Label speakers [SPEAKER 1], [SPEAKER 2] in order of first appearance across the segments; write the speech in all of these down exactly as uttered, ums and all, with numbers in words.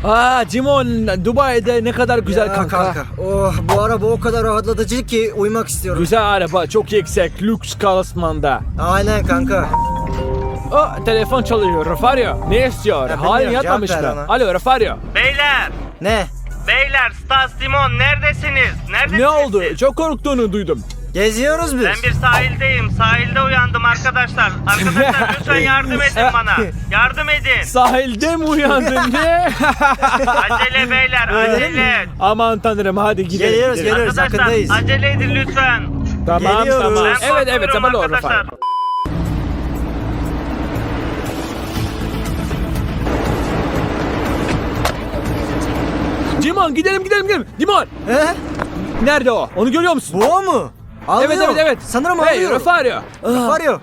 [SPEAKER 1] Aa Cimon, Dubai'de ne kadar güzel
[SPEAKER 2] Ya
[SPEAKER 1] kanka.
[SPEAKER 2] kanka. Oh, bu araba o kadar rahatlatıcı ki uyumak istiyorum.
[SPEAKER 1] Güzel araba, çok yüksek, lüks klasmanda.
[SPEAKER 2] Aynen kanka.
[SPEAKER 1] O telefon çalıyor, Rafario. Ne istiyor?
[SPEAKER 2] Ya
[SPEAKER 1] Halin
[SPEAKER 2] bilmiyorum,
[SPEAKER 1] yatmamış
[SPEAKER 2] cevap ver
[SPEAKER 1] mı?
[SPEAKER 2] ona.
[SPEAKER 1] Alo Rafario.
[SPEAKER 3] Beyler,
[SPEAKER 2] Ne?
[SPEAKER 3] beyler, Stas, Simon neredesiniz? Neredesiniz
[SPEAKER 1] Ne oldu?
[SPEAKER 3] siz?
[SPEAKER 1] Çok korktuğunu duydum.
[SPEAKER 2] Geziyoruz biz.
[SPEAKER 3] Ben bir sahildeyim. Sahilde uyandım arkadaşlar. Arkadaşlar lütfen yardım edin bana. Yardım edin.
[SPEAKER 1] Sahilde mi uyandın ne?
[SPEAKER 3] Acele beyler, acele.
[SPEAKER 1] Aman tanrım, hadi gidelim.
[SPEAKER 2] Geliyoruz,
[SPEAKER 1] gidelim.
[SPEAKER 2] geliyoruz.
[SPEAKER 3] Arkadaşlar
[SPEAKER 2] Yakındayız.
[SPEAKER 3] acele edin lütfen.
[SPEAKER 1] Tamam
[SPEAKER 2] Geliyoruz.
[SPEAKER 1] tamam.
[SPEAKER 3] Ben
[SPEAKER 1] Evet evet
[SPEAKER 3] korkuyorum
[SPEAKER 1] tamam doğru
[SPEAKER 3] arkadaşlar.
[SPEAKER 1] Rafario. Dimon gidelim gidelim gidelim. Dimon.
[SPEAKER 2] He?
[SPEAKER 1] Nerede o? Onu görüyor musun?
[SPEAKER 2] Bu o mu? Alıyor.
[SPEAKER 1] Evet evet evet.
[SPEAKER 2] Sanırım
[SPEAKER 1] hey,
[SPEAKER 2] alıyor.
[SPEAKER 1] Rafario.
[SPEAKER 2] Rafario.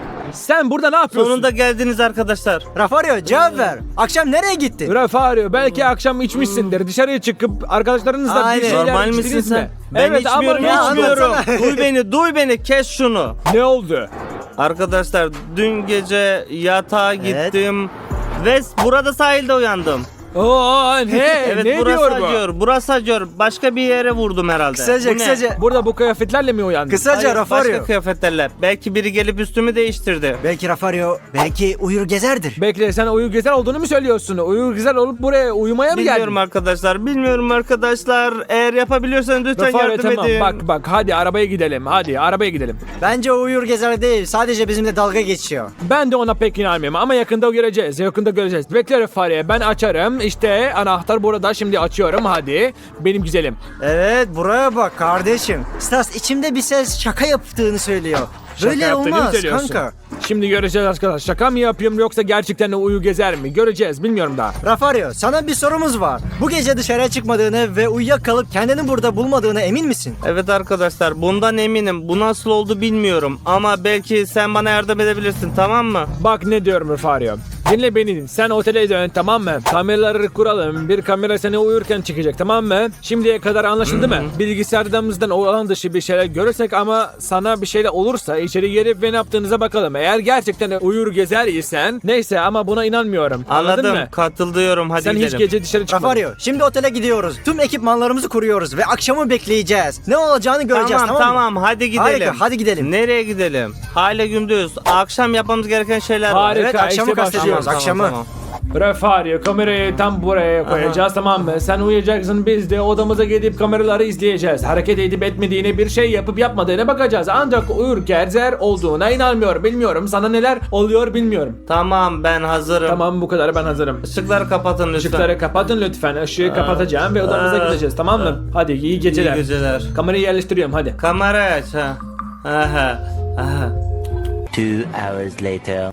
[SPEAKER 1] Sen burada ne yapıyorsun?
[SPEAKER 3] Sonunda geldiniz arkadaşlar.
[SPEAKER 2] Rafario cevap ver. Akşam nereye gitti?
[SPEAKER 1] Rafario, belki akşam içmişsindir. Dışarıya çıkıp arkadaşlarınızla
[SPEAKER 2] Aynen.
[SPEAKER 1] bir şeyler
[SPEAKER 3] Normal misin
[SPEAKER 1] içtiniz
[SPEAKER 3] sen?
[SPEAKER 1] mi?
[SPEAKER 3] Ben
[SPEAKER 1] evet,
[SPEAKER 3] içmiyorum,
[SPEAKER 1] ama ne
[SPEAKER 3] içmiyorum.
[SPEAKER 2] anlatsana.
[SPEAKER 3] Duy beni, duy beni. Kes şunu.
[SPEAKER 1] Ne oldu?
[SPEAKER 3] Arkadaşlar dün gece yatağa
[SPEAKER 2] Evet.
[SPEAKER 3] gittim ve burada sahilde uyandım.
[SPEAKER 1] Oo ne?
[SPEAKER 3] Evet,
[SPEAKER 1] ne
[SPEAKER 3] burası
[SPEAKER 1] diyor bu?
[SPEAKER 3] acıyor, burası acıyor. Başka bir yere vurdum herhalde.
[SPEAKER 2] Kısaca
[SPEAKER 3] Bu ne?
[SPEAKER 2] kısaca.
[SPEAKER 1] Burada bu kıyafetlerle mi uyandın?
[SPEAKER 2] Kısaca
[SPEAKER 3] Hayır,
[SPEAKER 2] Rafario.
[SPEAKER 3] başka kıyafetlerle. Belki biri gelip üstümü değiştirdi.
[SPEAKER 2] Belki Rafario, belki uyur gezerdir.
[SPEAKER 1] Bekle, sen uyur güzel olduğunu mu söylüyorsun? Uyur güzel olup buraya uyumaya mı
[SPEAKER 3] Bilmiyorum
[SPEAKER 1] geldin?
[SPEAKER 3] arkadaşlar, bilmiyorum arkadaşlar. Eğer yapabiliyorsanız lütfen
[SPEAKER 1] Rafario,
[SPEAKER 3] yardım
[SPEAKER 1] tamam
[SPEAKER 3] edin.
[SPEAKER 1] bak bak hadi arabaya gidelim. Hadi arabaya gidelim.
[SPEAKER 2] Bence o uyur gezer değil. Sadece bizimle dalga geçiyor.
[SPEAKER 1] Ben de ona pek inanmıyorum ama yakında göreceğiz. Yakında göreceğiz. Bekle Rafario, ben açarım. İşte anahtar burada, şimdi açıyorum. Hadi benim güzelim.
[SPEAKER 2] Evet, buraya bak kardeşim. Stas, içimde bir ses şaka yaptığını söylüyor.
[SPEAKER 1] Şaka
[SPEAKER 2] Böyle
[SPEAKER 1] yaptığını mı
[SPEAKER 2] olmaz
[SPEAKER 1] söylüyorsun?
[SPEAKER 2] kanka.
[SPEAKER 1] Şimdi göreceğiz arkadaşlar. Şaka mı yapıyorum yoksa gerçekten de uyu gezer mi? Göreceğiz, bilmiyorum daha.
[SPEAKER 2] Rafario, sana bir sorumuz var. Bu gece dışarıya çıkmadığını ve uyuyakalıp kendini burada bulmadığına emin misin?
[SPEAKER 3] Evet arkadaşlar, bundan eminim. Bu nasıl oldu bilmiyorum. Ama belki sen bana yardım edebilirsin, tamam mı?
[SPEAKER 1] Bak ne diyorum Rafario. Dinle beni. Sen otele dön, tamam mı? Kameraları kuralım. Bir kamera seni uyurken çıkacak, tamam mı? Şimdiye kadar anlaşıldı mı? Bilgisayarımızdan olan dışı bir şeyler görürsek ama sana bir şeyler olursa içeri girip ve ne yaptığınıza bakalım. Eğer gerçekten uyur gezer isen neyse, ama buna inanmıyorum. Anladın
[SPEAKER 3] Anladım,
[SPEAKER 1] mı?
[SPEAKER 3] katılıyorum. Hadi
[SPEAKER 1] Sen
[SPEAKER 3] gidelim.
[SPEAKER 1] hiç gece dışarı çıkmadın.
[SPEAKER 2] Rafario, şimdi otele gidiyoruz. Tüm ekipmanlarımızı kuruyoruz ve akşamı bekleyeceğiz. Ne olacağını göreceğiz,
[SPEAKER 3] Tamam
[SPEAKER 2] tamam,
[SPEAKER 3] tamam,
[SPEAKER 2] mı?
[SPEAKER 3] hadi gidelim.
[SPEAKER 2] Harika, hadi gidelim.
[SPEAKER 3] Nereye gidelim? Hala gündüz. Akşam yapmamız gereken şeyler var.
[SPEAKER 1] Harika,
[SPEAKER 2] Evet, akşamı
[SPEAKER 1] işte
[SPEAKER 2] kastediyoruz,
[SPEAKER 1] başlıyoruz.
[SPEAKER 2] akşamı.
[SPEAKER 1] Rafario, kamerayı tam buraya koyacağız, tamam mı? Sen uyuyacaksın, biz de odamıza gidip kameraları izleyeceğiz. Hareket edip etmediğini, bir şey yapıp yapmadığına bakacağız. Ancak uyur gezer olduğuna inanmıyorum. Bilmiyorum sana neler oluyor, bilmiyorum.
[SPEAKER 3] Tamam, ben hazırım.
[SPEAKER 1] Tamam, bu kadar, ben hazırım.
[SPEAKER 3] Işıkları kapatın lütfen.
[SPEAKER 1] Işıkları kapatın lütfen. Işığı kapatacağım ve odamıza
[SPEAKER 3] Aa.
[SPEAKER 1] gideceğiz, tamam mı? Hadi iyi geceler.
[SPEAKER 3] İyi geceler.
[SPEAKER 1] Kamerayı yerleştiriyorum, hadi.
[SPEAKER 3] Kamerayı aç ha. Aha. Aha.
[SPEAKER 4] Two hours later.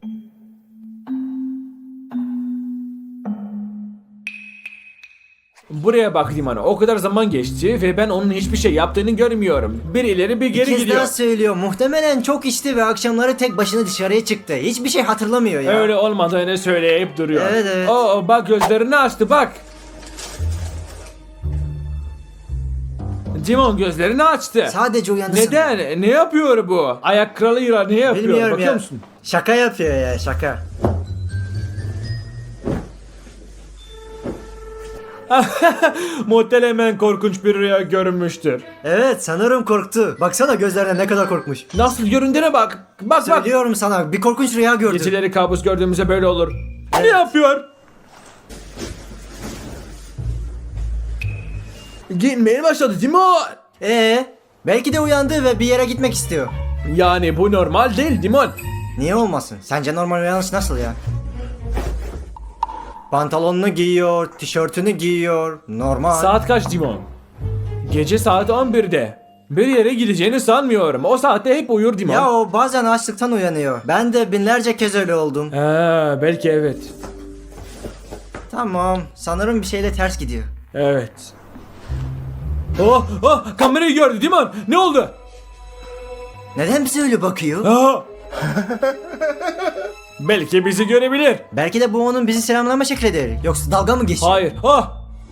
[SPEAKER 1] Buraya bak Dimano. O kadar zaman geçti ve ben onun hiçbir şey yaptığını görmüyorum. Bir ileri bir
[SPEAKER 2] Bir
[SPEAKER 1] geri
[SPEAKER 2] kez
[SPEAKER 1] gidiyor.
[SPEAKER 2] daha söylüyor. Muhtemelen çok içti ve akşamları tek başına dışarıya çıktı. Hiçbir şey hatırlamıyor ya.
[SPEAKER 1] Öyle olmadığını söyleyip duruyor.
[SPEAKER 2] Evet, evet.
[SPEAKER 1] Oo, bak gözlerini açtı, bak. Dimon gözlerini açtı.
[SPEAKER 2] Sadece uyandı sanırım.
[SPEAKER 1] Neden? Ne yapıyor bu? Ayak kralıyla ne yapıyor?
[SPEAKER 2] Bilmiyorum
[SPEAKER 1] Bakıyor
[SPEAKER 2] ya.
[SPEAKER 1] musun?
[SPEAKER 2] Şaka yapıyor ya, şaka.
[SPEAKER 1] Muhtemelen korkunç bir rüya görünmüştür.
[SPEAKER 2] Evet, sanırım korktu. Baksana gözlerine ne kadar korkmuş.
[SPEAKER 1] Nasıl göründüğüne bak. Bak bak.
[SPEAKER 2] Söylüyorum sana, bir korkunç rüya gördüm.
[SPEAKER 1] Geceleri kabus gördüğümüzde böyle olur. Ne
[SPEAKER 2] Evet.
[SPEAKER 1] yapıyor? Gitmeye başladı Dimon.
[SPEAKER 2] Ee, belki de uyandı ve bir yere gitmek istiyor.
[SPEAKER 1] Yani bu normal değil Dimon.
[SPEAKER 2] Niye olmasın? Sence normal uyanış nasıl ya? Pantolonunu giyiyor, tişörtünü giyiyor. Normal.
[SPEAKER 1] Saat kaç Dimon? Gece saat on birde. Bir yere gideceğini sanmıyorum. O saatte hep uyur Dimon.
[SPEAKER 2] Ya o bazen açlıktan uyanıyor. Ben de binlerce kez öyle oldum.
[SPEAKER 1] Ha, belki evet.
[SPEAKER 2] Tamam, sanırım bir şeyle ters gidiyor.
[SPEAKER 1] Evet. Oh, oh, kamerayı gördü Dimon. Ne oldu?
[SPEAKER 2] Neden bize öyle bakıyor?
[SPEAKER 1] Aa! Belki bizi görebilir.
[SPEAKER 2] Belki de bu onun bizi selamlama şeklidir. Yoksa dalga mı geçiyor?
[SPEAKER 1] Hayır. Ah!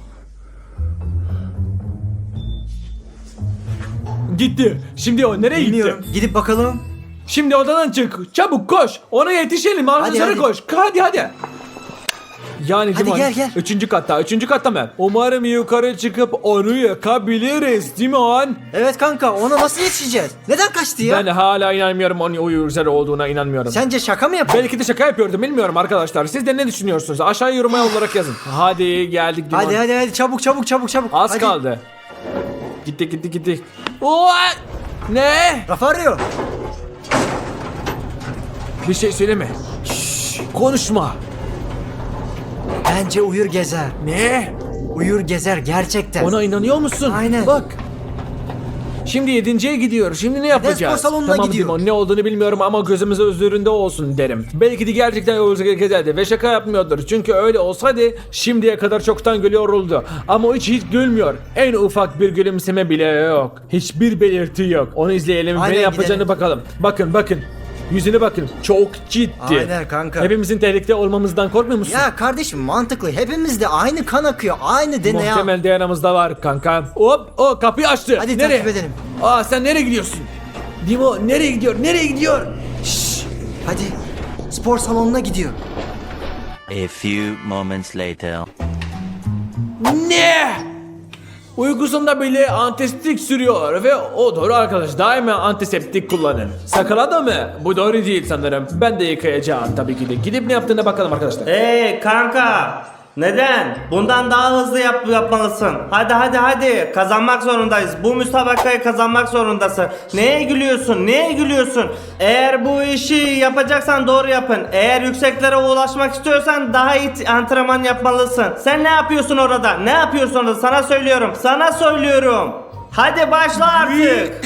[SPEAKER 1] Gitti. Şimdi o nereye
[SPEAKER 2] Bilmiyorum.
[SPEAKER 1] gitti?
[SPEAKER 2] Gidip bakalım.
[SPEAKER 1] Şimdi odadan çık. Çabuk koş. Ona yetişelim. Asansöre
[SPEAKER 2] hadi.
[SPEAKER 1] koş. Hadi hadi. Yani
[SPEAKER 2] Hadi
[SPEAKER 1] Dimon,
[SPEAKER 2] gel, gel.
[SPEAKER 1] Üçüncü katta, üçüncü katta mı? Umarım yukarı çıkıp onu yakabiliriz Dimon.
[SPEAKER 2] Evet kanka, ona nasıl yetişeceğiz? Neden kaçtı ya?
[SPEAKER 1] Ben hala inanmıyorum onun uyur üzeri olduğuna inanmıyorum.
[SPEAKER 2] Sence şaka mı yapıyor?
[SPEAKER 1] Belki de şaka yapıyordum bilmiyorum arkadaşlar. Siz de ne düşünüyorsunuz? Aşağı yoruma olarak yazın. Hadi geldik Dimon.
[SPEAKER 2] Hadi hadi hadi çabuk çabuk çabuk çabuk.
[SPEAKER 1] Az
[SPEAKER 2] Hadi.
[SPEAKER 1] kaldı. Gitti gitti gitti. What? Ne?
[SPEAKER 2] Rafario.
[SPEAKER 1] Bir şey söyleme. Şşş, konuşma.
[SPEAKER 2] Bence uyur gezer.
[SPEAKER 1] Ne?
[SPEAKER 2] Uyur gezer gerçekten.
[SPEAKER 1] Ona inanıyor musun?
[SPEAKER 2] Aynen.
[SPEAKER 1] Bak. Şimdi yedinciye gidiyor. Şimdi ne yapacağız?
[SPEAKER 2] spor salonuna
[SPEAKER 1] tamam
[SPEAKER 2] gidiyor.
[SPEAKER 1] Dimon, ne olduğunu bilmiyorum ama gözümüz üzerinde olsun derim. Belki de gerçekten Özgür Gezer'di ve şaka yapmıyordur. Çünkü öyle olsaydı şimdiye kadar çoktan gülüyordu. Ama o hiç hiç gülmüyor. En ufak bir gülümseme bile yok. Hiçbir belirti yok. Onu izleyelim
[SPEAKER 2] Aynen,
[SPEAKER 1] ve ne yapacağını
[SPEAKER 2] gidelim.
[SPEAKER 1] bakalım. Bakın bakın. Yüzüne bakın. Çok ciddi.
[SPEAKER 2] Aynen kanka.
[SPEAKER 1] Hepimizin tehlikede olmamızdan korkmuyor musun?
[SPEAKER 2] Ya kardeşim mantıklı. Hepimizde aynı kan akıyor. Aynı D N A.
[SPEAKER 1] Muhtemel D N A'mızda var kanka. Hop o kapıyı açtı.
[SPEAKER 2] Hadi
[SPEAKER 1] nereye?
[SPEAKER 2] takip edelim.
[SPEAKER 1] Aa sen nereye gidiyorsun? Dimo nereye gidiyor? Nereye gidiyor?
[SPEAKER 2] Şşş. Hadi. Spor salonuna gidiyor.
[SPEAKER 4] A few moments later.
[SPEAKER 1] Ne? Uykusunda bile antiseptik sürüyor ve o doğru arkadaş, daima antiseptik kullanın. Sakala mı? Bu doğru değil sanırım. Ben de yıkayacağım tabii ki de. Gidip ne yaptığına bakalım arkadaşlar.
[SPEAKER 3] Hey kanka, neden? Bundan daha hızlı yap yapmalısın. Hadi hadi hadi, kazanmak zorundayız. Bu müsabakayı kazanmak zorundasın. Neye gülüyorsun? Neye gülüyorsun? Eğer bu işi yapacaksan doğru yapın. Eğer yükseklere ulaşmak istiyorsan daha iyi antrenman yapmalısın. Sen ne yapıyorsun orada? Ne yapıyorsun orada? Sana söylüyorum. Sana söylüyorum. Hadi başla artık.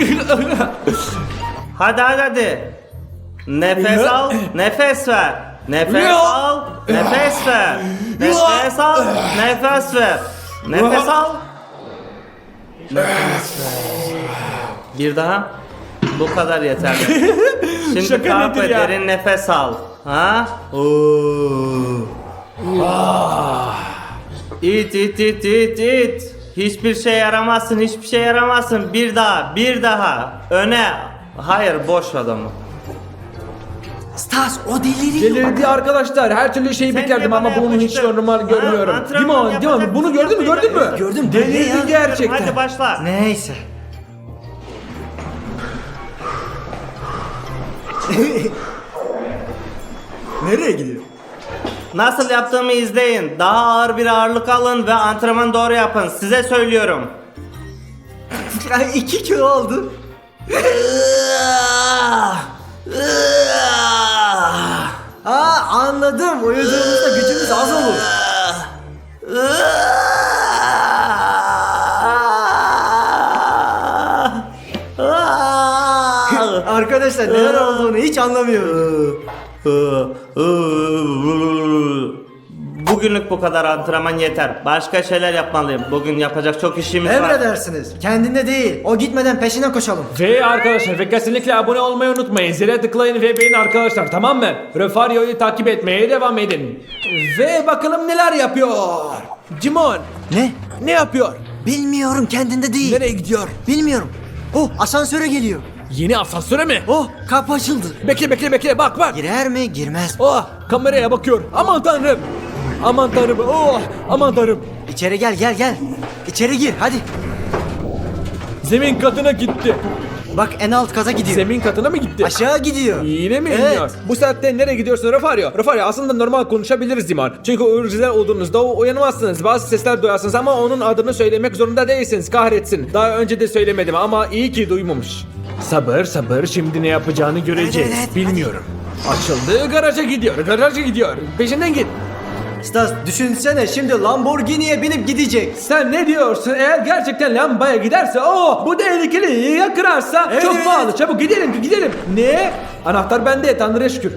[SPEAKER 3] Hadi hadi hadi. Nefes al, nefes ver. Nefes al, nefes ver. Nefes al, nefes ver. Nefes al. Nefes ver. Bir daha. Bu kadar yeterli. Şimdi
[SPEAKER 1] Şaka
[SPEAKER 3] kalk
[SPEAKER 1] nedir
[SPEAKER 3] ve
[SPEAKER 1] ya?
[SPEAKER 3] derin nefes al. Ha? Oo. İt it it it it. Hiçbir şey yaramazsın, hiçbir şey yaramazsın. Bir daha, bir daha. Öne. Hayır, boş adamı.
[SPEAKER 2] Stas o deliriyor.
[SPEAKER 1] Delirdi arkadaşlar. Her türlü şeyi
[SPEAKER 3] Sen
[SPEAKER 1] beklerdim
[SPEAKER 3] de
[SPEAKER 1] ama
[SPEAKER 3] bana
[SPEAKER 1] bunu hiç
[SPEAKER 3] yapmıştın.
[SPEAKER 1] normal
[SPEAKER 3] Ha,
[SPEAKER 1] görmüyorum.
[SPEAKER 3] antrenman
[SPEAKER 1] Dimon, Dimon
[SPEAKER 3] yapacak
[SPEAKER 1] bunu
[SPEAKER 3] mısın?
[SPEAKER 1] gördün mü? Gördün mü?
[SPEAKER 2] Gördüm,
[SPEAKER 1] Delirdi
[SPEAKER 2] delirdi ya.
[SPEAKER 1] gerçekten.
[SPEAKER 3] Hadi başla.
[SPEAKER 2] Neyse. Nereye gidiyor?
[SPEAKER 3] Nasıl yaptığımı izleyin. Daha ağır bir ağırlık alın ve antrenman doğru yapın. Size söylüyorum.
[SPEAKER 2] iki kilo oldu. Aa anladım. Uyuduğumuzda gücümüz az olur. Arkadaşlar neler olduğunu hiç anlamıyorum.
[SPEAKER 3] Bugünlük bu kadar antrenman yeter. Başka şeyler yapmalıyım. Bugün yapacak çok işimiz var.
[SPEAKER 2] Emredersiniz. Kendinde değil. O gitmeden peşine koşalım.
[SPEAKER 1] Ve arkadaşlar ve kesinlikle abone olmayı unutmayın. Zile tıklayın ve beğenin arkadaşlar, tamam mı? Refario'yu takip etmeye devam edin. Ve bakalım neler yapıyor. Dimon
[SPEAKER 2] Ne?
[SPEAKER 1] ne yapıyor?
[SPEAKER 2] Bilmiyorum, kendinde değil.
[SPEAKER 1] Nereye gidiyor?
[SPEAKER 2] Bilmiyorum. Oh, asansöre geliyor.
[SPEAKER 1] Yeni asansöre mi?
[SPEAKER 2] Oh, kapı açıldı.
[SPEAKER 1] Bekle bekle bekle, bak bak.
[SPEAKER 2] Girer mi, girmez mi?
[SPEAKER 1] Oh, kameraya bakıyor. Aman tanrım. Aman tanrım. Oh, aman tanrım.
[SPEAKER 2] İçeri gel, gel, gel. İçeri gir, hadi.
[SPEAKER 1] Zemin katına gitti.
[SPEAKER 2] Bak en alt kaza gidiyor.
[SPEAKER 1] Zemin katına mı gitti?
[SPEAKER 2] Aşağı gidiyor.
[SPEAKER 1] Yine mi
[SPEAKER 2] Evet.
[SPEAKER 1] iniyor? Bu saatte nereye gidiyorsun Refario? Refario aslında normal konuşabiliriz Dimon. Çünkü uyurcular olduğunuzda uyanamazsınız. Bazı sesler duyarsınız ama onun adını söylemek zorunda değilsiniz. Kahretsin. Daha önce de söylemedim ama iyi ki duymamış. Sabır sabır, şimdi ne yapacağını göreceğiz.
[SPEAKER 2] Evet, evet,
[SPEAKER 1] Bilmiyorum. Açıldı, garaja gidiyor. Garaja gidiyor. Peşinden git.
[SPEAKER 2] Stas düşünsene, şimdi Lamborghini'ye binip gidecek.
[SPEAKER 1] Sen ne diyorsun? Eğer gerçekten lambaya giderse, oh bu tehlikeli, ya kırarsa
[SPEAKER 2] Evet,
[SPEAKER 1] çok
[SPEAKER 2] evet.
[SPEAKER 1] pahalı. Çabuk gidelim gidelim. Ne? Anahtar bende, Tanrı'ya şükür.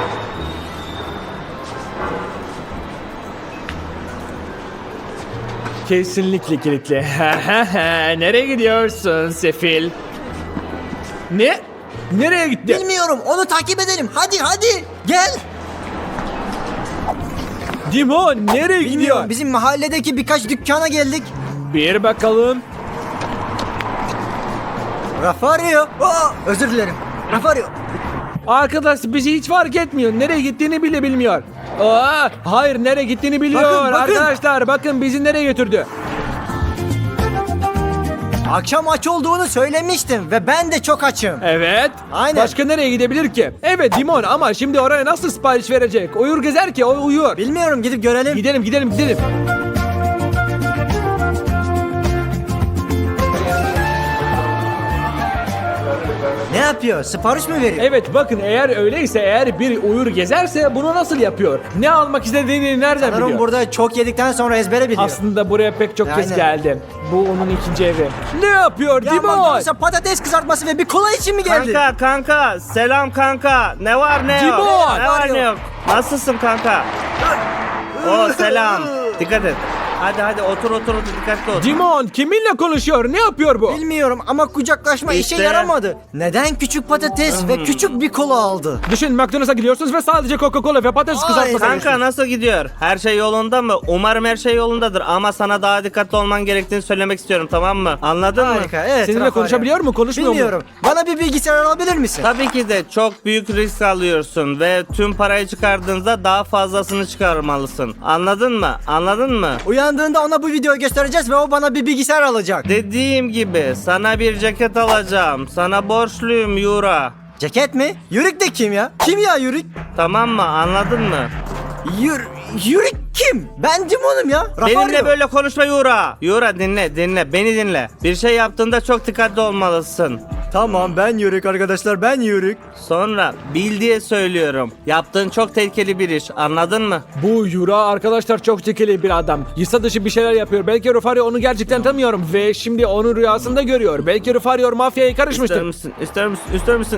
[SPEAKER 1] Kesinlikle kilitli. Nereye gidiyorsun sefil? Ne? Nereye gitti?
[SPEAKER 2] Bilmiyorum, onu takip edelim. Hadi hadi, gel.
[SPEAKER 1] Dimon nereye gidiyor?
[SPEAKER 2] Bilmiyorum, bizim mahalledeki birkaç dükkana geldik.
[SPEAKER 1] Bir bakalım.
[SPEAKER 2] Rafario. Oh, özür dilerim. Rafario.
[SPEAKER 1] Arkadaş bizi hiç fark etmiyor. Nereye gittiğini bile bilmiyor. Aa, hayır nereye gittiğini biliyor.
[SPEAKER 2] Bakın, bakın.
[SPEAKER 1] Arkadaşlar bakın bizi nereye götürdü.
[SPEAKER 2] Akşam aç olduğunu söylemiştim ve ben de çok açım.
[SPEAKER 1] Evet.
[SPEAKER 2] Aynen.
[SPEAKER 1] Başka nereye gidebilir ki? Evet Dimon ama şimdi oraya nasıl sipariş verecek? Uyur gezer ki o uyuyor.
[SPEAKER 2] Bilmiyorum, gidip görelim.
[SPEAKER 1] Gidelim gidelim gidelim.
[SPEAKER 2] Ne yapıyor? Sipariş mi veriyor?
[SPEAKER 1] Evet bakın eğer öyleyse eğer bir uyur gezerse bunu nasıl yapıyor? Ne almak istediğini nereden
[SPEAKER 2] Sanırım
[SPEAKER 1] biliyor?
[SPEAKER 2] burada çok yedikten sonra ezbere biliyor.
[SPEAKER 1] Aslında buraya pek çok kez
[SPEAKER 2] Aynen.
[SPEAKER 1] geldi. Bu onun ikinci evi. Ne yapıyor
[SPEAKER 2] Ya
[SPEAKER 1] Dimon?
[SPEAKER 2] McDonald's'a patates kızartması ve bir kola için mi geldi?
[SPEAKER 3] Kanka kanka selam kanka. Ne var ne yok?
[SPEAKER 1] Cibon!
[SPEAKER 3] Ne var ne yok? Nasılsın kanka? O selam. Dikkat et. Hadi hadi otur otur otur dikkatli ol.
[SPEAKER 1] Dimon kiminle konuşuyor? Ne yapıyor bu?
[SPEAKER 2] Bilmiyorum ama kucaklaşma
[SPEAKER 3] İşte.
[SPEAKER 2] işe yaramadı. Neden küçük patates ve küçük bir kola aldı?
[SPEAKER 1] Düşün McDonald's'a gidiyorsunuz ve sadece Coca-Cola ve patates
[SPEAKER 2] Ay,
[SPEAKER 1] kızartması
[SPEAKER 3] Kanka
[SPEAKER 1] alıyorsunuz.
[SPEAKER 3] nasıl gidiyor? Her şey yolunda mı? Umarım her şey yolundadır ama sana daha dikkatli olman gerektiğini söylemek istiyorum, tamam mı? Anladın mı?
[SPEAKER 2] Harika, evet.
[SPEAKER 1] Seninle
[SPEAKER 2] Rafael.
[SPEAKER 1] konuşabiliyor mu, konuşmuyor mu?
[SPEAKER 2] Bilmiyorum. Bana bir bilgisayar alabilir misin?
[SPEAKER 3] Tabii ki de çok büyük risk alıyorsun ve tüm parayı çıkardığında daha fazlasını çıkarmalısın. Anladın mı? Anladın mı?
[SPEAKER 2] Uyandığında ona bu videoyu göstereceğiz ve o bana bir bilgisayar alacak.
[SPEAKER 3] Dediğim gibi sana bir ceket alacağım. Sana borçluyum Yura.
[SPEAKER 2] Ceket mi? Yürük de kim ya? Kim ya Yürük?
[SPEAKER 3] Tamam mı? Anladın mı?
[SPEAKER 2] Yür Yürük kim? Ben Dimon'um ya. Rafario.
[SPEAKER 3] Benimle böyle konuşma Yura. Yura dinle dinle beni dinle. Bir şey yaptığında çok dikkatli olmalısın.
[SPEAKER 2] Tamam, ben Yürük arkadaşlar, ben Yürük.
[SPEAKER 3] Sonra bil diye söylüyorum. Yaptığın çok tehlikeli bir iş. Anladın mı?
[SPEAKER 1] Bu Yura arkadaşlar çok tekeli bir adam. Yasa dışı bir şeyler yapıyor. Belki Rufario onu gerçekten tanımıyorum ve şimdi onu rüyasında görüyor. Belki Rufario mafyaya
[SPEAKER 3] İster
[SPEAKER 1] karışmıştır.
[SPEAKER 3] misin? İster misin? İster misin?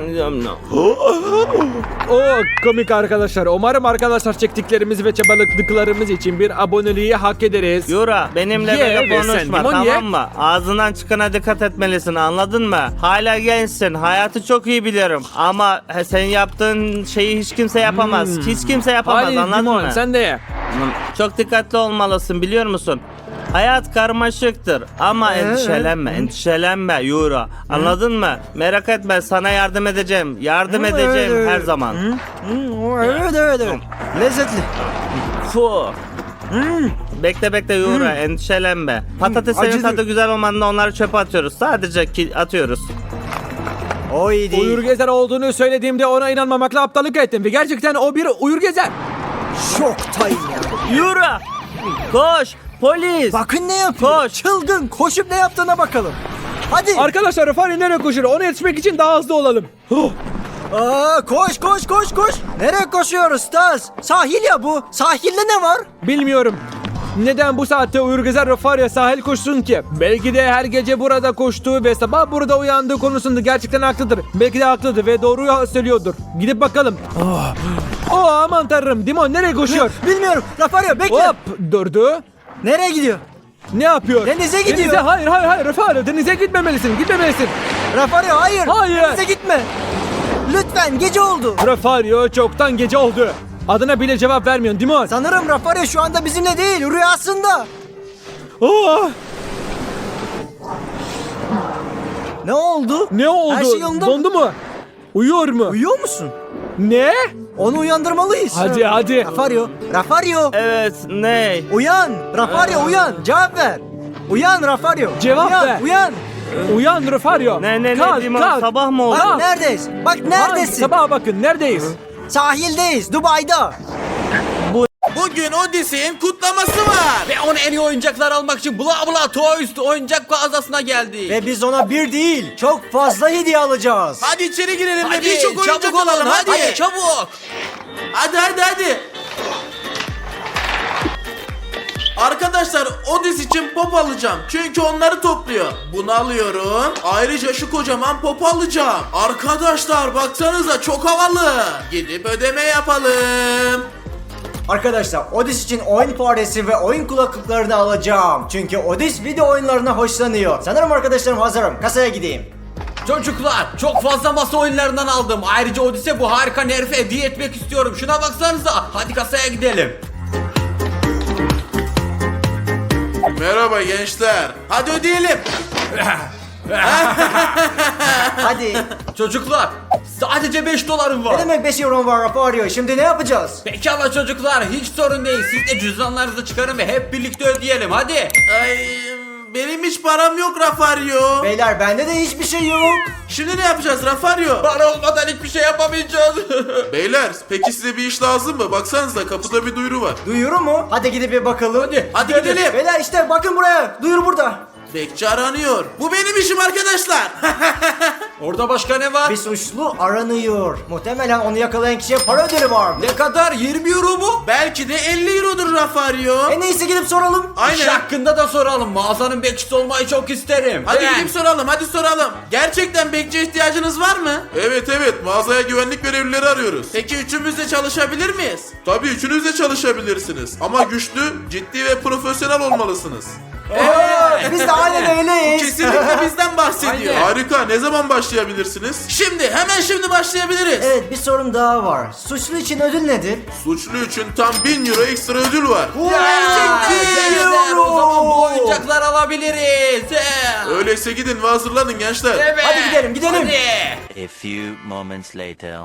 [SPEAKER 1] O komik arkadaşlar. Umarım arkadaşlar çektiklerimiz ve çabaladıklarımız için bir aboneliği hak ederiz.
[SPEAKER 3] Yura benimle
[SPEAKER 1] Ye
[SPEAKER 3] böyle
[SPEAKER 1] ve sen
[SPEAKER 3] konuşma,
[SPEAKER 1] limon
[SPEAKER 3] tamam
[SPEAKER 1] ye.
[SPEAKER 3] mı? Ağzından çıkana dikkat etmelisin, anladın mı? Hala gençsin, hayatı çok iyi biliyorum ama he, senin yaptığın şeyi hiç kimse yapamaz. Hiç kimse yapamaz,
[SPEAKER 1] Hadi
[SPEAKER 3] anladın
[SPEAKER 1] Dimon
[SPEAKER 3] mı?
[SPEAKER 1] sen de ye.
[SPEAKER 3] Çok dikkatli olmalısın, biliyor musun? Hayat karmaşıktır ama
[SPEAKER 2] Ee,
[SPEAKER 3] endişelenme, endişelenme Yura. Anladın mı? Merak etme, sana yardım edeceğim. Yardım
[SPEAKER 2] Hı,
[SPEAKER 3] edeceğim
[SPEAKER 2] evet, evet.
[SPEAKER 3] her zaman.
[SPEAKER 2] Hı, evet evet evet. Lezzetli.
[SPEAKER 3] Fu. Bekle bekle Yura, endişelenme. Patateslerin
[SPEAKER 2] acıdı.
[SPEAKER 3] tadı güzel olmadığında onları çöpe atıyoruz. Sadece ki atıyoruz.
[SPEAKER 2] O iyi değil.
[SPEAKER 1] Uyur gezer olduğunu söylediğimde ona inanmamakla aptallık ettim ve gerçekten o bir uyur gezer.
[SPEAKER 2] Şoktayım ya.
[SPEAKER 3] Yura! Koş! Polis!
[SPEAKER 2] Bakın ne yapıyor.
[SPEAKER 3] Koş.
[SPEAKER 2] Çılgın. Koşup ne yaptığına bakalım. Hadi.
[SPEAKER 1] Arkadaşlar Rufario nereye koşuyor? Ona yetişmek için daha hızlı olalım. Huh.
[SPEAKER 2] Aa, koş koş koş koş. Nereye koşuyoruz Stas? Sahil ya bu. Sahilde ne var?
[SPEAKER 1] Bilmiyorum. Neden bu saatte uyur gezer Rufario sahil koşsun ki? Belki de her gece burada koştuğu ve sabah burada uyandığı konusunda gerçekten haklıdır. Belki de haklıdır ve doğruyu söylüyordur. Gidip bakalım. Oh, oh aman tanrım. Dimon nereye koşuyor?
[SPEAKER 2] Bilmiyorum. Rafario bekle.
[SPEAKER 1] Hop durdu.
[SPEAKER 2] Nereye gidiyor?
[SPEAKER 1] Ne yapıyor?
[SPEAKER 2] Denize gidiyor.
[SPEAKER 1] Denize hayır hayır hayır Rufario denize gitmemelisin gitmemelisin.
[SPEAKER 2] Rafario hayır.
[SPEAKER 1] Hayır.
[SPEAKER 2] Denize gitme. Lütfen, gece oldu.
[SPEAKER 1] Rufario çoktan gece oldu. Adına bile cevap vermiyorsun Dimon.
[SPEAKER 2] Sanırım Rafario şu anda bizimle değil, rüyasında.
[SPEAKER 1] Oh,
[SPEAKER 2] Ne oldu?
[SPEAKER 1] ne oldu?
[SPEAKER 2] Her şey yolunda mı?
[SPEAKER 1] Dondu mu? Uyuyor mu?
[SPEAKER 2] Uyuyor musun?
[SPEAKER 1] Ne?
[SPEAKER 2] Onu uyandırmalıyız.
[SPEAKER 1] Hadi hadi.
[SPEAKER 2] Rafario, Rafario.
[SPEAKER 3] Evet, ne?
[SPEAKER 2] Uyan. Rafario uyan. Cevap ver. Uyan Rafario.
[SPEAKER 1] Cevap
[SPEAKER 2] uyan,
[SPEAKER 1] ver.
[SPEAKER 2] Uyan.
[SPEAKER 1] Uyan Rufario.
[SPEAKER 3] Ne ne ne
[SPEAKER 1] Kalk,
[SPEAKER 3] Dimon,
[SPEAKER 1] kalk.
[SPEAKER 3] sabah mı oldu?
[SPEAKER 2] Bak
[SPEAKER 1] Kalk.
[SPEAKER 2] neredeyiz? Bak
[SPEAKER 1] Kalk,
[SPEAKER 2] neredesin?
[SPEAKER 1] sabaha bakın neredeyiz?
[SPEAKER 2] Sahildeyiz. Dubai'da.
[SPEAKER 5] Bugün Odyssey'in kutlaması var. Ve ona en iyi oyuncaklar almak için Bla Bla Toys oyuncak mağazasına geldik.
[SPEAKER 2] Ve biz ona bir değil, çok fazla hediye alacağız.
[SPEAKER 5] Hadi içeri girelim
[SPEAKER 6] Hadi
[SPEAKER 5] ve birçok oyuncak
[SPEAKER 6] çabuk olun
[SPEAKER 5] alalım
[SPEAKER 6] hadi.
[SPEAKER 5] hadi.
[SPEAKER 6] çabuk.
[SPEAKER 5] Hadi hadi hadi. Arkadaşlar Odyssey için pop alacağım. Çünkü onları topluyor. Bunu alıyorum. Ayrıca şu kocaman pop alacağım. Arkadaşlar baksanıza çok havalı. Gidip ödeme yapalım.
[SPEAKER 2] Arkadaşlar Odis için oyun faresi ve oyun kulaklıklarını alacağım. Çünkü Odis video oyunlarına hoşlanıyor. Sanırım arkadaşlarım hazırım. Kasaya gideyim.
[SPEAKER 6] Çocuklar çok fazla masa oyunlarından aldım. Ayrıca Odise bu harika nerife hediye etmek istiyorum. Şuna baksanıza. Hadi kasaya gidelim.
[SPEAKER 5] Merhaba gençler. Hadi ödeyelim.
[SPEAKER 2] Hadi.
[SPEAKER 6] Çocuklar sadece beş dolarım
[SPEAKER 2] Ne
[SPEAKER 6] var.
[SPEAKER 2] demek beş euro var Rafario? Şimdi ne yapacağız?
[SPEAKER 6] Pekala çocuklar hiç sorun değil. Siz de cüzdanlarınızı çıkarın ve hep birlikte ödeyelim hadi.
[SPEAKER 5] Ay, benim hiç param yok Rafario.
[SPEAKER 2] Beyler bende de hiçbir şey yok.
[SPEAKER 5] Şimdi ne yapacağız Rafario?
[SPEAKER 6] Para olmadan hiçbir şey yapamayacağız.
[SPEAKER 5] Beyler peki size bir iş lazım mı? Baksanıza kapıda bir duyuru var.
[SPEAKER 2] Duyuru mu? Hadi gidip bir bakalım.
[SPEAKER 6] Hadi,
[SPEAKER 5] Hadi gidelim.
[SPEAKER 2] Beyler işte bakın buraya. Duyuru burada.
[SPEAKER 5] Bekçi aranıyor. Bu benim işim arkadaşlar.
[SPEAKER 6] Orada başka ne var?
[SPEAKER 2] Bir suçlu aranıyor. Muhtemelen onu yakalayan kişiye para ödülü var.
[SPEAKER 6] Ne kadar? yirmi euro mu?
[SPEAKER 5] Belki de elli eurodur Rafario.
[SPEAKER 2] En iyisi gidip soralım.
[SPEAKER 6] İş
[SPEAKER 5] Aynen.
[SPEAKER 6] hakkında da soralım. Mağazanın bekçisi olmayı çok isterim.
[SPEAKER 5] Hadi
[SPEAKER 6] Ben-
[SPEAKER 5] gidip soralım, hadi soralım. Gerçekten bekçiye ihtiyacınız var mı? Evet evet, mağazaya güvenlik görevlileri arıyoruz. Peki üçümüz de çalışabilir miyiz? Tabii üçünüz de çalışabilirsiniz. Ama güçlü, ciddi ve profesyonel olmalısınız.
[SPEAKER 2] Evet. Biz de aynen öyleyiz.
[SPEAKER 5] Kesinlikle bizden bahsediyor.
[SPEAKER 6] Aynen.
[SPEAKER 5] Harika, ne zaman başlayabilirsiniz? Şimdi, hemen şimdi başlayabiliriz.
[SPEAKER 2] Evet bir sorun daha var. Suçlu için ödül nedir?
[SPEAKER 5] Suçlu için tam bin euro ekstra ödül var.
[SPEAKER 6] Gerçekten
[SPEAKER 2] Gerçekten.
[SPEAKER 6] o zaman bu oyuncaklar alabiliriz.
[SPEAKER 5] Öyleyse gidin ve hazırlanın gençler.
[SPEAKER 6] Evet.
[SPEAKER 2] Hadi gidelim, gidelim.
[SPEAKER 6] Hadi.
[SPEAKER 4] A few moments later.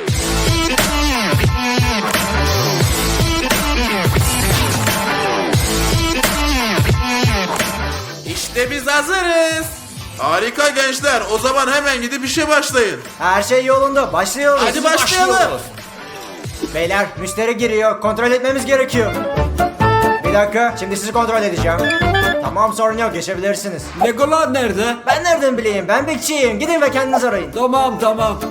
[SPEAKER 5] İşte biz hazırız. Harika gençler, o zaman hemen gidip işe başlayın.
[SPEAKER 2] Her şey yolunda. Başlıyoruz.
[SPEAKER 5] Hadi başlayalım.
[SPEAKER 6] Başlıyoruz.
[SPEAKER 2] Beyler müşteri giriyor. Kontrol etmemiz gerekiyor. Bir dakika. Şimdi sizi kontrol edeceğim. Tamam sorun yok. Geçebilirsiniz.
[SPEAKER 6] Legolar nerede?
[SPEAKER 2] Ben nereden bileyim? Ben bekçiyim. Gidin ve kendiniz arayın.
[SPEAKER 6] Tamam tamam.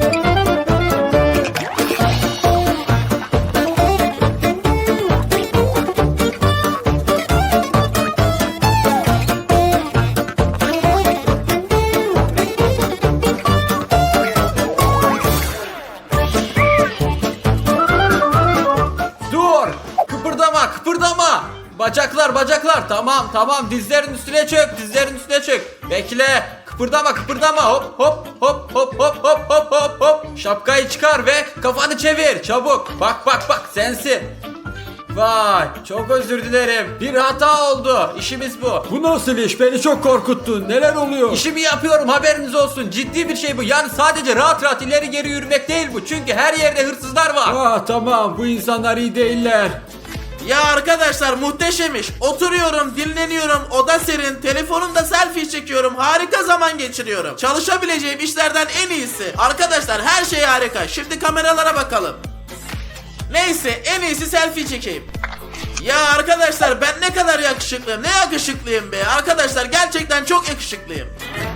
[SPEAKER 6] Dur! Kıpırdama, kıpırdama! Bacaklar, bacaklar. Tamam, tamam. Dizlerin üstüne çök, dizlerin üstüne çök. Bekle. Kıpırdama, kıpırdama. Hop, hop, hop, hop, hop, hop, hop, hop, hop. Şapkayı çıkar ve kafanı çevir. Çabuk. Bak, bak, bak. Sensin. Vay, çok özür dilerim. Bir hata oldu. İşimiz bu.
[SPEAKER 7] Bu nasıl iş? Beni çok korkuttun. Neler oluyor?
[SPEAKER 6] İşimi yapıyorum, haberiniz olsun. Ciddi bir şey bu. Yani sadece rahat rahat ileri geri yürümek değil bu. Çünkü her yerde hırsızlar var.
[SPEAKER 7] Ah tamam, bu insanlar iyi değiller.
[SPEAKER 5] Ya arkadaşlar muhteşem iş. Oturuyorum, dinleniyorum, oda serin, telefonumda selfie çekiyorum, harika zaman geçiriyorum. Çalışabileceğim işlerden en iyisi. Arkadaşlar her şey harika. Şimdi kameralara bakalım. Neyse, en iyisi selfie çekeyim. Ya arkadaşlar ben ne kadar yakışıklıyım. Ne yakışıklıyım be. Arkadaşlar gerçekten çok yakışıklıyım.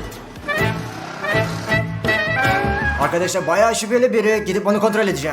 [SPEAKER 2] Arkadaşlar bayağı şüpheli biri. Gidip onu kontrol edeceğim.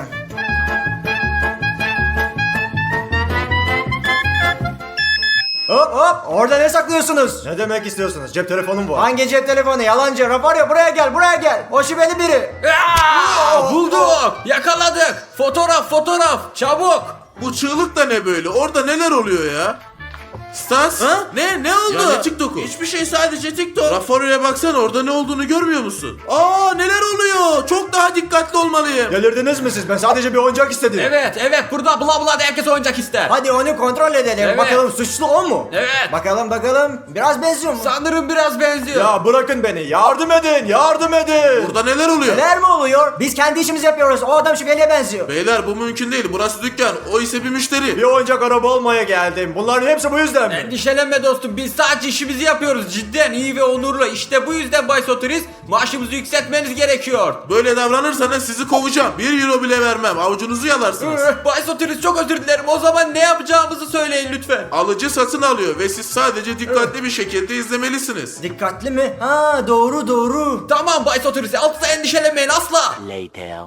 [SPEAKER 2] Hop hop orada ne saklıyorsunuz? Ne demek istiyorsunuz? Cep telefonum var. Hangi cep telefonu? Yalancı. Rafario buraya gel buraya gel. O şüpheli biri.
[SPEAKER 6] Aa, bulduk. Yakaladık. Fotoğraf, fotoğraf. Çabuk.
[SPEAKER 5] Bu çığlık da ne böyle? Orada neler oluyor ya? Stas? Ha? Ne? Ne oldu?
[SPEAKER 6] Ya ne
[SPEAKER 5] TikTok'u? Hiçbir şey, sadece TikTok. Rafaro'ya baksana, orada ne olduğunu görmüyor musun? Aa, neler oluyor? Çok daha dikkatli olmalıyım.
[SPEAKER 2] Delirdiniz mi siz? Ben sadece bir oyuncak istedim.
[SPEAKER 6] Evet, evet. Burada bla bla da herkes oyuncak ister.
[SPEAKER 2] Hadi onu kontrol edelim.
[SPEAKER 6] Evet.
[SPEAKER 2] Bakalım suçlu o mu?
[SPEAKER 6] Evet.
[SPEAKER 2] Bakalım bakalım. Biraz benziyor mu?
[SPEAKER 6] Sanırım biraz benziyor.
[SPEAKER 2] Ya bırakın beni. Yardım edin. Yardım edin.
[SPEAKER 5] Burada neler oluyor?
[SPEAKER 2] Neler mi oluyor? Biz kendi işimizi yapıyoruz. O adam şüpheliye benziyor.
[SPEAKER 5] Beyler bu mümkün değil. Burası dükkan. O ise bir müşteri.
[SPEAKER 2] Bir oyuncak araba almaya geldim. Bunların hepsi bu yüzden mi?
[SPEAKER 6] Endişelenme dostum. Biz sadece işimizi yapıyoruz. Cidden iyi ve onurlu. İşte bu yüzden Bay Sotiris maaşımızı yükseltmeniz gerekiyor.
[SPEAKER 5] Böyle davranırsanız sizi kovacağım. Bir euro bile vermem. Avucunuzu yalarsınız.
[SPEAKER 6] Üh, Bay Sotiris çok özür dilerim. O zaman ne yapacağımızı söyleyin lütfen.
[SPEAKER 5] Alıcı satın alıyor ve siz sadece dikkatli bir şekilde izlemelisiniz.
[SPEAKER 2] Dikkatli mi? Ha doğru doğru.
[SPEAKER 6] Tamam Bay Sotiris. Asla endişelenmeyin asla.
[SPEAKER 4] Later.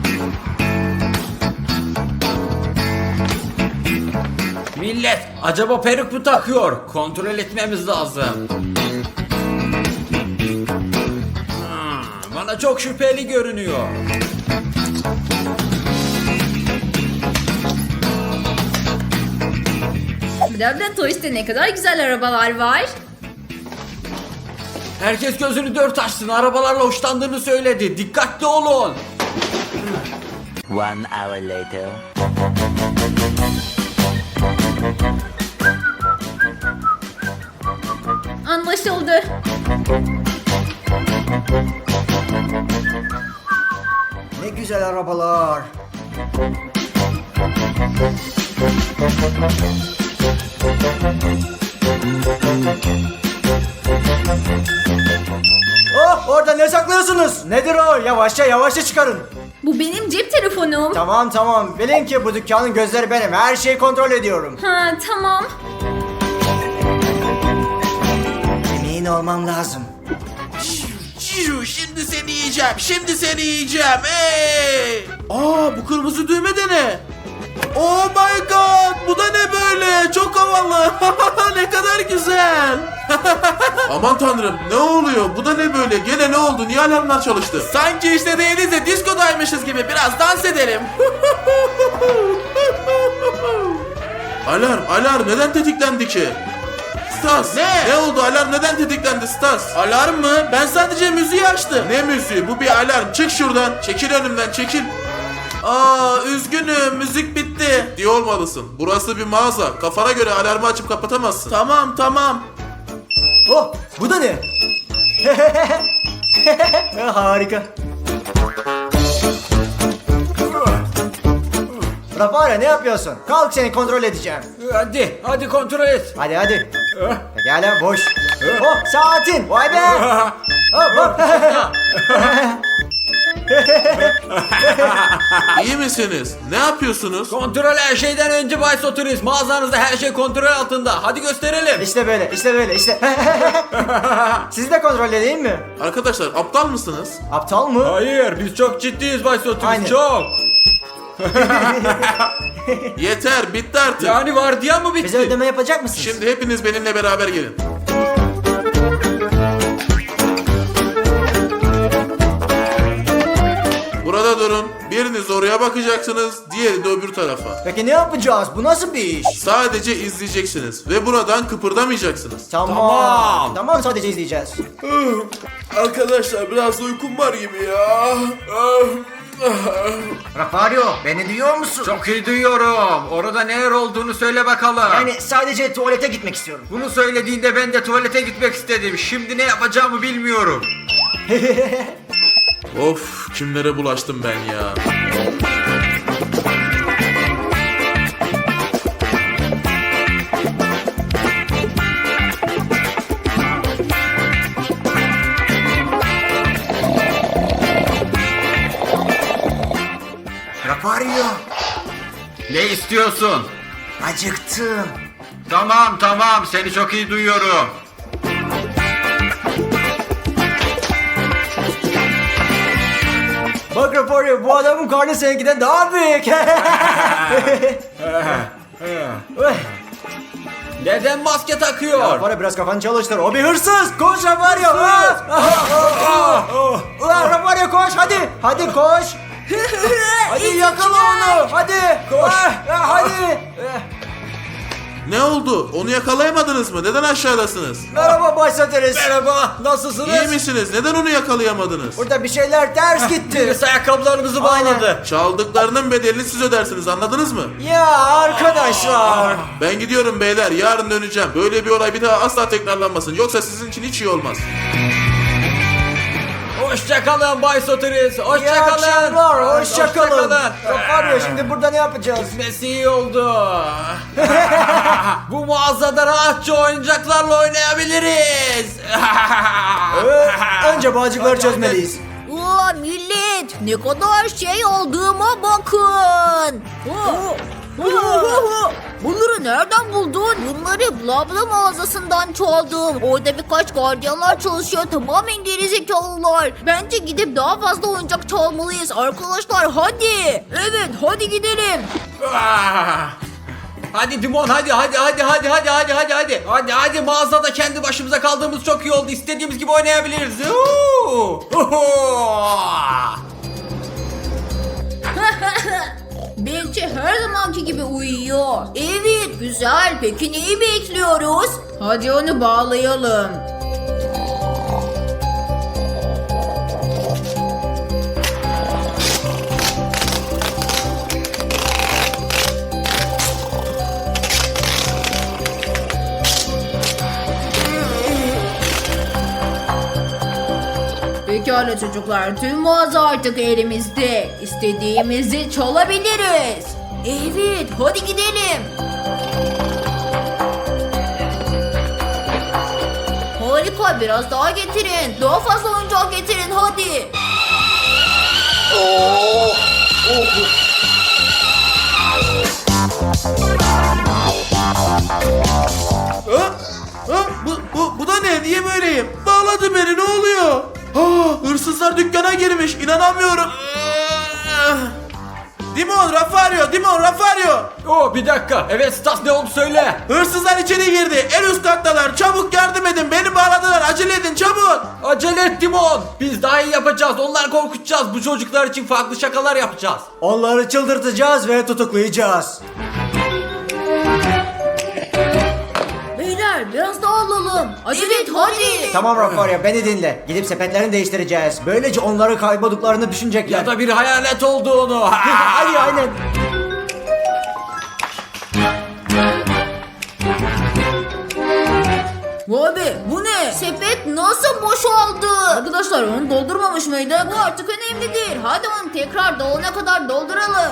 [SPEAKER 6] Millet acaba peruk mu takıyor? Kontrol etmemiz lazım. Hmm, bana çok şüpheli görünüyor.
[SPEAKER 8] Bla Toys'te ne kadar güzel arabalar var.
[SPEAKER 6] Herkes gözünü dört açsın. Arabalarla hoşlandığını söyledi. Dikkatli olun.
[SPEAKER 4] One hour later.
[SPEAKER 8] Anlaşıldı.
[SPEAKER 2] Ne güzel arabalar. Oh, orada ne saklıyorsunuz? Nedir o? Yavaşça yavaşça çıkarın.
[SPEAKER 8] Bu benim cep telefonum.
[SPEAKER 2] Tamam tamam. Bilin ki bu dükkanın gözleri benim. Her şeyi kontrol ediyorum.
[SPEAKER 8] Ha tamam.
[SPEAKER 2] Emin olmam lazım.
[SPEAKER 5] Ciu, şimdi seni yiyeceğim. Şimdi seni yiyeceğim. Hey! Aa, bu kırmızı düğme de ne? Oh my god! Bu da ne böyle? Çok havalı. Ne kadar güzel. Aman tanrım, ne oluyor? Bu da ne böyle? Gene ne oldu? Niye alarmlar çalıştı? Sanki işte değiliz de diskodaymışız gibi. Biraz dans edelim. Alarm, alarm. Neden tetiklendi ki? Stas. Ne? Ne oldu? Alarm neden tetiklendi Stas? Alarm mı? Ben sadece müziği açtım. Ne müziği? Bu bir alarm. Çık şuradan. Çekil önümden, çekil. Aa, üzgünüm, müzik bitti diye olmalısın. Burası bir mağaza. Kafana göre alarmı açıp kapatamazsın. Tamam, tamam.
[SPEAKER 2] Oh, bu da ne? Harika. Rafael, ne yapıyorsun? Kalk, seni kontrol edeceğim.
[SPEAKER 7] Hadi hadi kontrol et.
[SPEAKER 2] Hadi hadi. Pekala, boş. Oh, saatin. Vay be. Hop, hop.
[SPEAKER 5] İyi misiniz? Ne yapıyorsunuz?
[SPEAKER 7] Kontrol her şeyden önce Bay Soturist. Mağazanızda her şey kontrol altında. Hadi gösterelim.
[SPEAKER 2] İşte böyle, işte böyle, işte. Sizi de kontrol edeyim mi?
[SPEAKER 5] Arkadaşlar, aptal mısınız?
[SPEAKER 2] Aptal mı?
[SPEAKER 7] Hayır biz çok ciddiyiz Bay Soturist.
[SPEAKER 2] Aynen.
[SPEAKER 7] Çok.
[SPEAKER 5] Yeter, bitti artık.
[SPEAKER 7] Yani vardiya mı bitti?
[SPEAKER 2] Bize ödeme yapacak mısınız?
[SPEAKER 5] Şimdi hepiniz benimle beraber gelin. Burada durun. Biriniz oraya bakacaksınız, diğeri de öbür tarafa.
[SPEAKER 2] Peki ne yapacağız? Bu nasıl bir iş?
[SPEAKER 5] Sadece izleyeceksiniz ve buradan kıpırdamayacaksınız.
[SPEAKER 2] Tamam.
[SPEAKER 7] Tamam.
[SPEAKER 2] Tamam, sadece izleyeceğiz.
[SPEAKER 5] Arkadaşlar, biraz da uykum var gibi ya.
[SPEAKER 2] Rafario, beni duyuyor musun?
[SPEAKER 6] Çok iyi duyuyorum. Orada neler olduğunu söyle bakalım.
[SPEAKER 2] Yani sadece tuvalete gitmek istiyorum.
[SPEAKER 6] Bunu söylediğinde ben de tuvalete gitmek istedim. Şimdi ne yapacağımı bilmiyorum.
[SPEAKER 5] Of, kimlere bulaştım ben ya.
[SPEAKER 2] Rafario,
[SPEAKER 6] Ne istiyorsun?
[SPEAKER 2] acıktım.
[SPEAKER 6] Tamam tamam seni çok iyi duyuyorum.
[SPEAKER 2] Bak Rafario, bu adamın karnı seninkiden daha büyük.
[SPEAKER 7] Neden maske takıyor?
[SPEAKER 2] Rafario, biraz kafanı çalıştır. O bir hırsız. Koş Rafario. Ulan Rafario, koş hadi. Hadi koş. Hadi yakala onu. Hadi. Koş. Hadi.
[SPEAKER 5] Ne oldu? Onu yakalayamadınız mı? Neden aşağıdasınız?
[SPEAKER 2] Merhaba Bay Soteris.
[SPEAKER 7] Merhaba nasılsınız?
[SPEAKER 5] İyi misiniz? Neden onu yakalayamadınız?
[SPEAKER 2] Burada bir şeyler ters gitti.
[SPEAKER 7] Birisi ayakkabılarımızı bağladı.
[SPEAKER 5] Çaldıklarının bedelini siz ödersiniz, anladınız mı?
[SPEAKER 2] Ya arkadaşlar.
[SPEAKER 5] Ben gidiyorum beyler, yarın döneceğim. Böyle bir olay bir daha asla tekrarlanmasın. Yoksa sizin için hiç iyi olmaz.
[SPEAKER 7] Hoşçakalın Bay Soturist.
[SPEAKER 2] İyi
[SPEAKER 7] Hoşçakalın.
[SPEAKER 2] akşamlar. Hoşçakalın. Rafario, şimdi burada ne yapacağız?
[SPEAKER 7] Gitmesi iyi oldu. Bu mağazada rahatça oyuncaklarla oynayabiliriz.
[SPEAKER 2] Ee, önce bağcıkları çözmeliyiz.
[SPEAKER 9] Ulan millet ne kadar şey aldığıma bakın. Oo. Bunları nereden buldun? Bunları Blabla mağazasından çaldım. Orada birkaç gardiyanlar çalışıyor. Tamamen gerizekalılar. Bence gidip daha fazla oyuncak çalmalıyız. Arkadaşlar hadi. Evet hadi gidelim.
[SPEAKER 7] Hadi Dimon hadi hadi hadi hadi hadi hadi hadi hadi. Hadi hadi mağazada kendi başımıza kaldığımız çok iyi oldu. İstediğimiz gibi oynayabiliriz. Oo!
[SPEAKER 8] Belki her zamanki gibi uyuyor. Evet güzel. Peki neyi bekliyoruz? Hadi onu bağlayalım. Peki Pekala çocuklar, tüm mağaza artık elimizde. İstediğimizi çalabiliriz. Evet, hadi gidelim. Harika, biraz daha getirin. Daha fazla oyuncak getirin hadi.
[SPEAKER 5] Ha? Ha? Bu, bu, bu da ne? Niye böyleyim? Bağladı beni, ne oluyor? Ha, hırsızlar dükkana girmiş, inanamıyorum. Dimon, Rafario, Dimon, Rafario.
[SPEAKER 6] Oo bir dakika. Evet Stas, ne oldu söyle.
[SPEAKER 5] Hırsızlar içeri girdi. En üst kattalar. Çabuk yardım edin. Beni bağladılar. Acele edin çabuk.
[SPEAKER 6] Acele et Timon. Biz daha iyi yapacağız. Onları korkutacağız. Bu çocuklar için farklı şakalar yapacağız.
[SPEAKER 2] Onları çıldırtacağız ve tutuklayacağız.
[SPEAKER 8] Beyler biraz daha alalım. Acele et hadi.
[SPEAKER 2] Tamam Rafario, beni dinle. Gidip sepetlerini değiştireceğiz. Böylece onları kaybolduklarını düşünecekler.
[SPEAKER 6] Ya da bir hayalet olduğunu.
[SPEAKER 2] Hadi aynen.
[SPEAKER 8] Vay be, bu ne? Sepet nasıl boşaldı? Arkadaşlar onu doldurmamış mıydık? Bu artık önemli değil. Hadi onu tekrar dolana kadar dolduralım.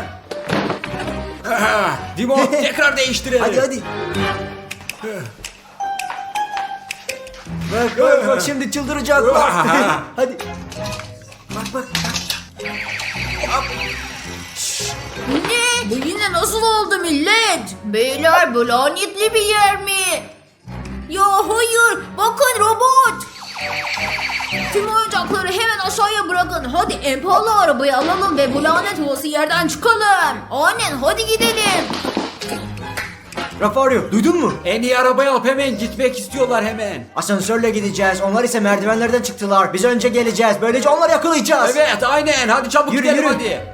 [SPEAKER 6] Timon tekrar değiştirelim.
[SPEAKER 2] Hadi hadi. Bak bak bak, şimdi çıldıracak bak. Hadi. Bak bak.
[SPEAKER 8] Ne? Bu yine nasıl oldu millet? Beyler, bu lanetli bir yer mi? Ya hayır, bakın robot. Tüm oyuncakları hemen aşağıya bırakın. Hadi en pahalı arabayı alalım ve bu lanet olası yerden çıkalım. Aynen, hadi gidelim.
[SPEAKER 2] Rafario, duydun mu?
[SPEAKER 6] En iyi arabayı alıp hemen gitmek istiyorlar hemen.
[SPEAKER 2] Asansörle gideceğiz. Onlar ise merdivenlerden çıktılar. Biz önce geleceğiz. Böylece onları yakalayacağız.
[SPEAKER 6] Evet aynen, hadi çabuk
[SPEAKER 2] Yürü,
[SPEAKER 6] gidelim
[SPEAKER 2] yürü.
[SPEAKER 6] hadi.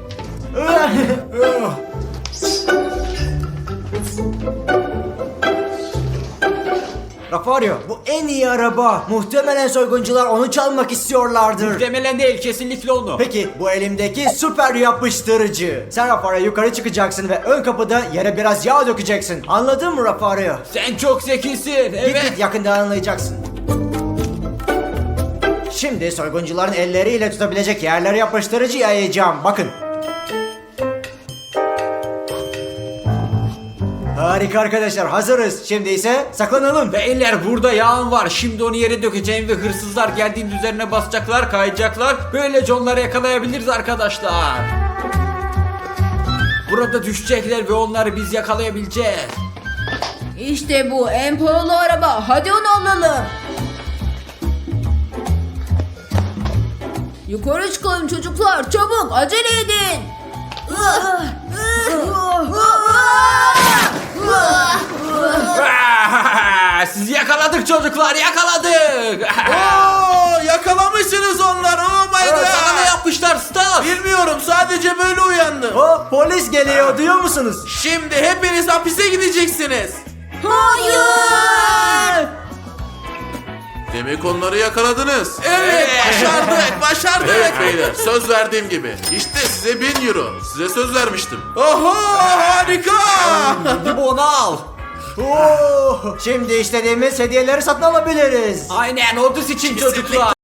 [SPEAKER 2] Rafario, bu en iyi araba. Muhtemelen soyguncular onu çalmak istiyorlardır.
[SPEAKER 6] Muhtemelen değil, kesinlikle onu.
[SPEAKER 2] Peki bu elimdeki süper yapıştırıcı. Sen Rafario yukarı çıkacaksın ve ön kapıda yere biraz yağ dökeceksin. Anladın mı Rafario?
[SPEAKER 6] Sen çok zekisin.
[SPEAKER 2] Git
[SPEAKER 6] Evet.
[SPEAKER 2] git, yakında anlayacaksın. Şimdi soyguncuların elleriyle tutabilecek yerlere yapıştırıcı yayacağım. Bakın. Harika arkadaşlar, hazırız. Şimdi ise saklanalım.
[SPEAKER 6] Beyler burada yağın var. Şimdi onu yere dökeceğim ve hırsızlar geldiğinde üzerine basacaklar, kayacaklar. Böylece onları yakalayabiliriz arkadaşlar. Burada düşecekler ve onları biz yakalayabileceğiz.
[SPEAKER 8] İşte bu en pahalı araba. Hadi onu alalım. Yukarı çıkalım çocuklar. Çabuk acele edin.
[SPEAKER 6] Sizi yakaladık çocuklar, yakaladık.
[SPEAKER 5] Oo, yakalamışsınız onları. Oh my god.
[SPEAKER 6] Sana ne yapmışlar Stas?
[SPEAKER 5] Bilmiyorum, sadece böyle uyandım.
[SPEAKER 2] O polis geliyor, duyuyor musunuz?
[SPEAKER 5] Şimdi hepiniz hapise gideceksiniz.
[SPEAKER 8] Hayır.
[SPEAKER 5] Demek onları yakaladınız. Evet, başardık, başardık. Evet beyler, söz verdiğim gibi. İşte size bin euro. Size söz vermiştim. Oho, harika.
[SPEAKER 6] Hadi bunu al.
[SPEAKER 2] Oo, şimdi istediğimiz hediyeleri satın alabiliriz.
[SPEAKER 6] Aynen, Odis için çocuklar.